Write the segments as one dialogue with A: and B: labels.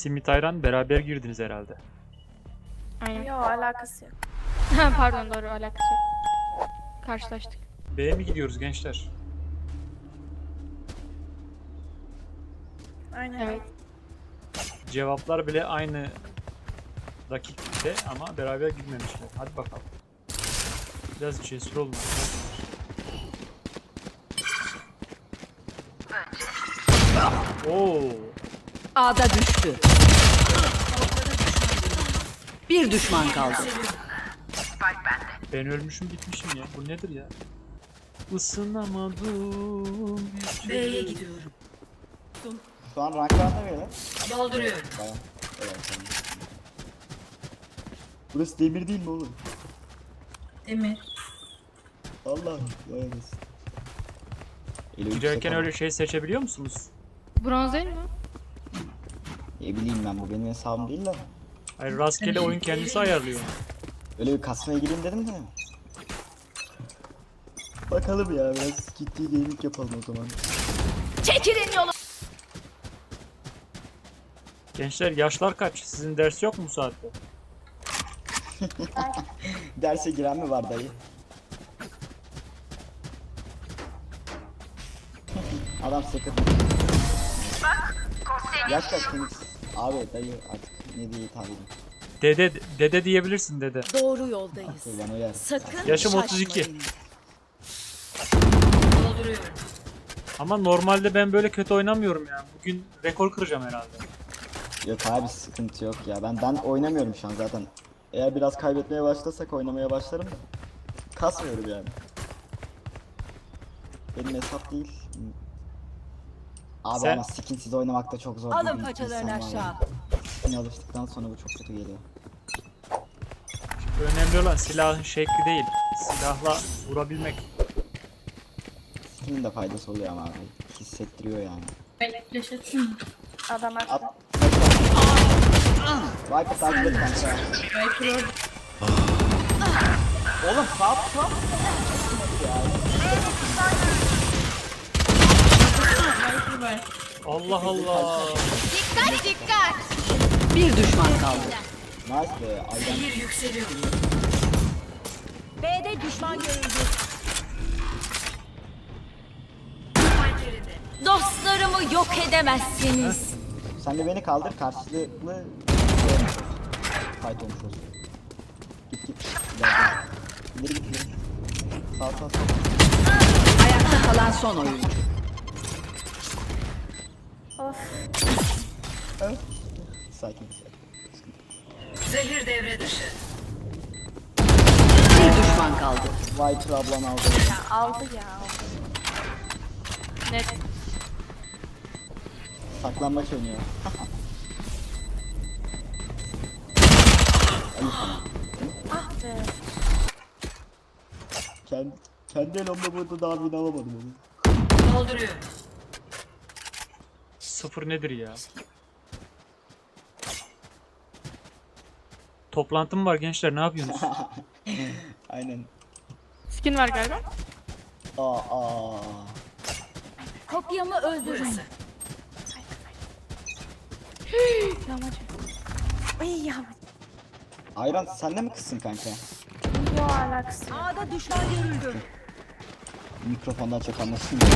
A: Simit Ayran beraber girdiniz herhalde.
B: Aynen.
C: Yok alakası yok.
B: Pardon, doğru, alakası yok. Karşılaştık.
A: B'ye mi gidiyoruz gençler?
C: Aynen.
B: Evet.
A: Cevaplar bile aynı dakikte ama beraber gitmemişler. Hadi bakalım. Biraz cesur olun. Oo.
D: A'da düştü. Bir düşman kaldı.
A: Ben ölmüşüm bitmişim ya. Bu nedir ya? Isınamadım.
D: B'ye gidiyorum.
E: Şu an ranklarda böyle.
D: Dolduruyorum.
E: Bayağı. Evet, tamam. Burası demir değil mi oğlum?
D: Demir.
E: Allah dayanasın.
A: Girerken öyle şey seçebiliyor musunuz?
B: Bronz değil mi?
E: Ne bileyim ben, bu benim hesabım değil de.
A: Hayır, rastgele oyun kendisi ayarlıyor.
E: Öyle bir kasmaya gireyim dedim de. Bakalım ya, biraz ciddi gaming yapalım o zaman.
C: Çekilin yolu.
A: Gençler yaşlar kaç? Sizin ders yok mu bu saatte?
E: Derse giren mi var dayı? Adam sakın. Yaş kaç Phoenix? Abi dayı artık ne diye hitap edeyim.
A: Dede diyebilirsin dede.
D: Doğru yoldayız.
E: Bana uyar.
D: Sakın
A: Yaşım
D: şaşmayın.
A: 32.
D: Dolduruyorum.
A: Ama normalde ben böyle kötü oynamıyorum yani. Bugün rekor kıracağım herhalde.
E: Yok abi, sıkıntı yok ya. Ben oynamıyorum şu an zaten. Eğer biraz kaybetmeye başlasak oynamaya başlarım da. Kasmıyorum yani. Benim hesap değil. Abi
A: Sen-
E: ama skinsiz oynamak da çok zor.
D: Alın
E: Bir
D: paçalarını
E: insan var ya.
D: aşağı.
E: Skin'e alıştıktan sonra bu çok kötü geliyor.
A: Önemli olan silahın şekli değil. Silahla vurabilmek.
E: Skin'in de faydası oluyor ama abi. Hissettiriyor yani.
C: Adam haklı.
E: At. Viper takip et kanka. Oğlum sağ.
A: Allah Allah.
C: Dikkat dikkat.
D: Bir düşman kaldı.
E: Nice be. Aydan.
C: B'de düşman görüldü. Dostlarımı yok edemezsiniz.
E: Sen de beni kaldır, karşılıklı fight olmuş olsun. Git. İleri git. İleri. Sağ.
D: Ayakta kalan son oyuncu.
C: Of.
E: Sakin.
D: Zehir devre dışı. Bir düşman kaldı.
E: Viper ablan aldı.
C: Aldı ya.
B: Net.
E: Saklanmaç oynuyor.
C: Ah be.
E: Kendi elimle burada daha win alamadım onu.
D: Dolduruyorum.
A: Sıfır nedir ya? Toplantım var gençler, ne yapıyorsunuz?
E: Aynen.
B: Skin var galiba.
E: Aa.
C: Kopyamı öldürün.
B: Yağmacı.
C: Ay ya.
E: Ayran sen de mi kızsın kanka?
C: Yok alakası yok.
D: A'da düşman görüldü.
E: Mikrofondan çok anlaşılmıyor.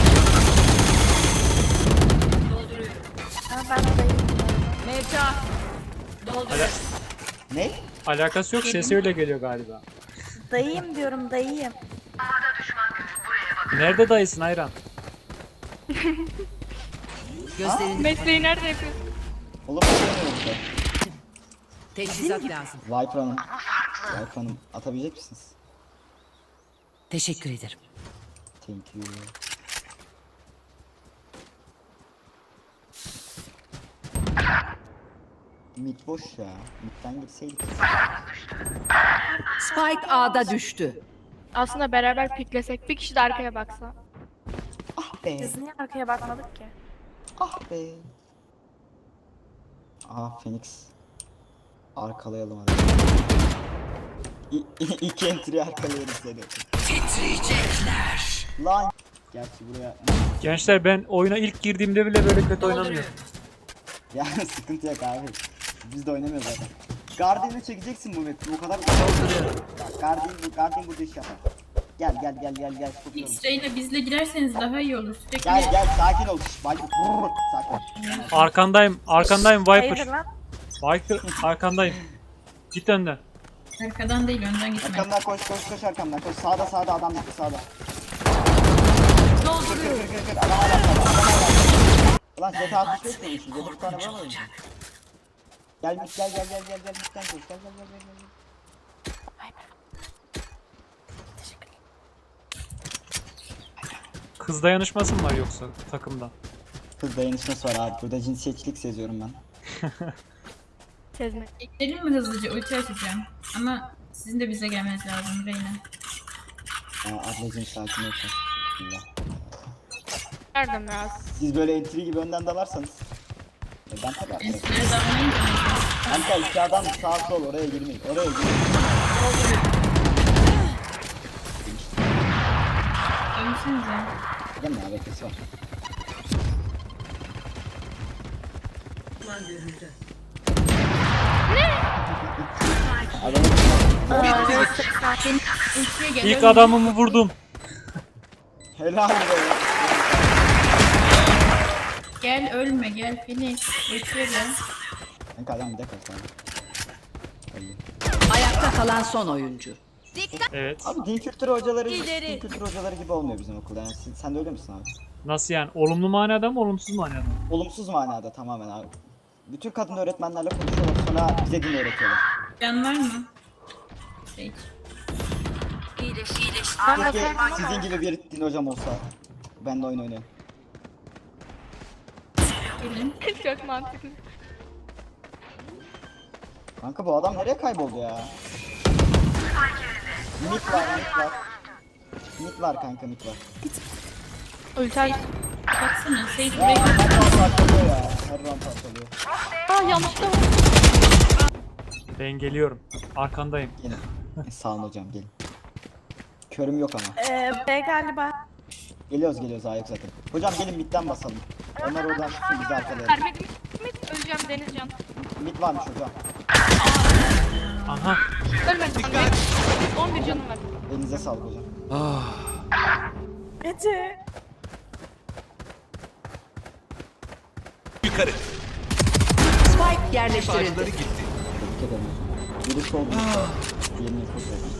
C: Ha, ben odayım.
D: Mevca. Dolduruyorum.
E: Ne?
A: Alakası yok, sesi öyle geliyor galiba.
C: Dayıyım diyorum dayıyım.
A: Nerede dayısın Ayran?
D: Gözlerini
B: Mesleği nerede yapıyorsun?
E: Oğlum oynamıyorum ben.
D: teçhizat lazım.
E: Viper Hanım atabilecek misiniz?
D: Teşekkür ederim.
E: Thank you. Mid boş ya. Mid'den girseydik.
D: Spike A'da düştü.
B: Aslında beraber piklesek, bir kişi de arkaya baksa.
E: Ah be.
C: Biz niye arkaya bakmadık ki?
E: Ah be. Aha Phoenix. Arkalayalım hadi. İki entry arkalayalım seni.
D: Titriyecekler.
E: Lan. Gerçi buraya.
A: Gençler ben oyuna ilk girdiğimde bile böyle kötü oynamıyorum.
E: Ya sıkıntı yok abi. Biz de oynamıyoruz zaten. Guardian'ı çekeceksin bu map'i. Bu kadar Bak, Guardian burada iş yapar. Gel. Sokuyorum.
F: X-Ray'le bizle girerseniz daha iyi olur. Sürekli
E: Gel sakin ol. Sakin.
A: Arkandayım
C: Hayırdır
A: Viper.
C: lan?
A: Viper arkandayım. Git önden.
F: arkadan değil önden gitmek.
E: Arkamdan koş arkamdan koş. Sağda adam gitti sağda. Kır. Adam hala. Ulan Zeta 65 demişsin. Zeta bir tane vuramadın mı? Gel midden koş. Gel.
A: Kız dayanışması mı var yoksa takımda?
E: Kız dayanışması var abi. Burada cinsiyetçilik seziyorum ben.
B: Sezme.
F: Gidelim mi hızlıca? Ulti atacağım. Ama sizin de bize gelmeniz lazım Reyna.
E: Ablacığım sakin ol.
B: Nereden biraz?
E: Siz böyle entry gibi önden dalarsanız. Ben tabii atlarım.
F: Enstitüye dalmayınca
E: Kanka iki adam sağ sol oraya girmeyin.
F: ölmüşsünüze.
E: Değil mi ya beklesi var.
F: Ultiye gel.
A: İlk
F: ölme.
A: adamımı vurdum.
E: Helal be.
F: Gel ölme gel Phoenix. Ultiye gel.
E: Kanka adam bir de kaç tane.
D: Ayakta kalan son oyuncu.
A: Evet.
E: Abi din kültürü hocaları gibi olmuyor bizim okulda. Yani sen de öyle misin abi?
A: Nasıl yani? Olumlu manada mı olumsuz manada mı?
E: Olumsuz manada tamamen abi. Bütün kadın öğretmenlerle konuşuyorlar sonra bize din öğretiyorlar.
F: Can var mı? Sage.
B: Ben
E: Keşke
B: bakarım ama.
E: sizin gibi bir din hocam olsa. Ben de oyun oynayayım.
F: Gelin.
B: Çok mantıklı.
E: Kanka bu adam nereye kayboldu ya? Mit var. Mit var kanka mit var.
B: Ulti.
F: Baksana Sage
E: Ya
F: buraya
E: her round parçalıyor ya. Her round parçalıyor.
B: Aa yanlışlıkla vurdum.
A: Ben geliyorum. Arkandayım.
E: Gelin. Sağ olun hocam gelin. Körüm yok ama.
C: B galiba.
E: Geliyoruz ayak zaten. Hocam gelin midden basalım. Onlar oradan tutsun bizi arkalayalım.
B: Vermedim. Öleceğim Denizcan.
E: Mid varmış hocam.
A: Aha.
B: Ölmedim. 11 canım var.
E: Elinize sağlık hocam.
C: Ece.
D: Spike yerleştirildi.
E: Tebrik ederim hocam. Biri sol biri sağ. Diğerini kurtarın.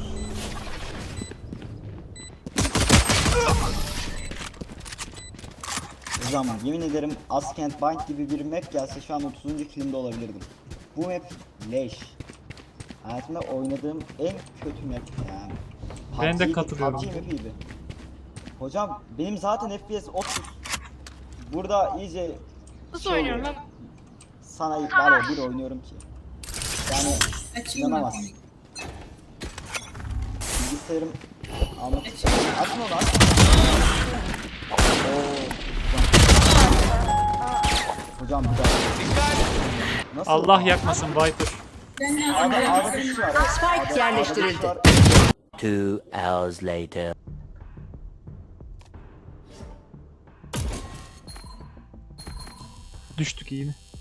E: Hocam yemin ederim Askent Bind gibi bir map gelse şu an 30. kilimde olabilirdim. Bu map leş. Hayatımda oynadığım en kötü map yani.
A: Ben de
E: PUBG
A: katılıyorum.
E: PUBG map'iydi. Hocam benim zaten FPS 30. Burada iyice
B: Nasıl
E: şey
B: oynuyorum
E: oluyor.
B: lan?
E: Sana var ya bir oynuyorum ki. Yani
F: açayım mı?
E: inanamazsın. Bilgisayarım almak için. Açma lan. Hocam bir dakika. Nasıl?
A: Allah yakmasın Viper.
F: Ben lazım.
E: Ağda bir şey var.
D: Spike yerleştirildi.
G: 2 hours later.
A: Düştük iyi mi?